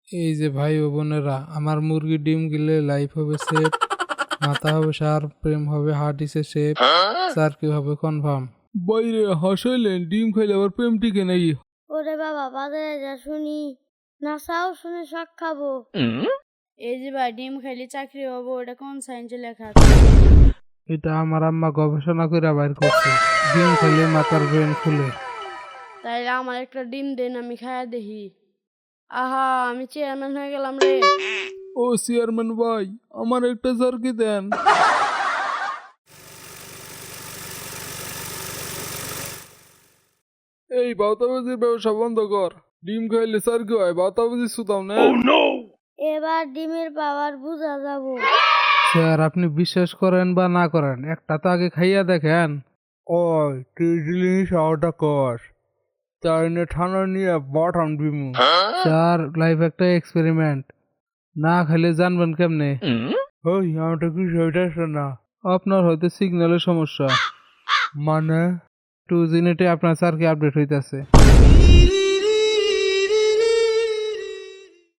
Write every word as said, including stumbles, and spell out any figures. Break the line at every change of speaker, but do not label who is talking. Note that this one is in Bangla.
এই যে ভাই ও বোনেরা, আমার মুরগি ডিম গিলে লাইফ হবে সেট, মাথা হবে শার্প, প্রেম হবে হার্ট ইসে শেপ, স্যার কি হবে কনফার্ম। বাইরে হাসাইলেন, ডিম খাইলে আবার প্রেম টিকে নাকি?
ওরে বাবা, বাজারে যা শুনি, নাসাও শুনে শখ খাবো। এই যে ভাই, ডিম খাইলে চাকরি হবো, এটা কোন সায়েন্সে লেখা আছে?
এটা আমার আম্মা গবেষণা করে বাইর করছে, ডিম খাইলে মাথার ব্রেন খুলে।
তাইলে আমার একটা ডিম দেন, আমি খায়া দেখি। আহা, আমি চেয়ারম্যান হয়ে গেলাম রে।
ও চেয়ারম্যান ভাই, আমার একটা জার্কি দেন। এই বাতাবাজির ব্যবসা বন্ধ কর, ডিম খাইলে জার্কি হয়, বাতাবাজি সুতাম না।
এবার ডিমের পাওয়ার বুঝা যাবো।
স্যার আপনি বিশ্বাস করেন বা না করেন, একটা তো আগে খাইয়া দেখেন। ওই তুই জিনিস আওটা কর, তাই না ঠান্ডা নিয়ে বাটাম দিমু। স্যার লাইফ একটা এক্সপেরিমেন্ট, না খেলে জানবেন কেমনে? ওই আমারটা কি হইতেছে না, আপনার হয়তো সিগন্যালের সমস্যা। মানে টু জিনেটে আপনার স্যার কি আপডেট হইতাছে।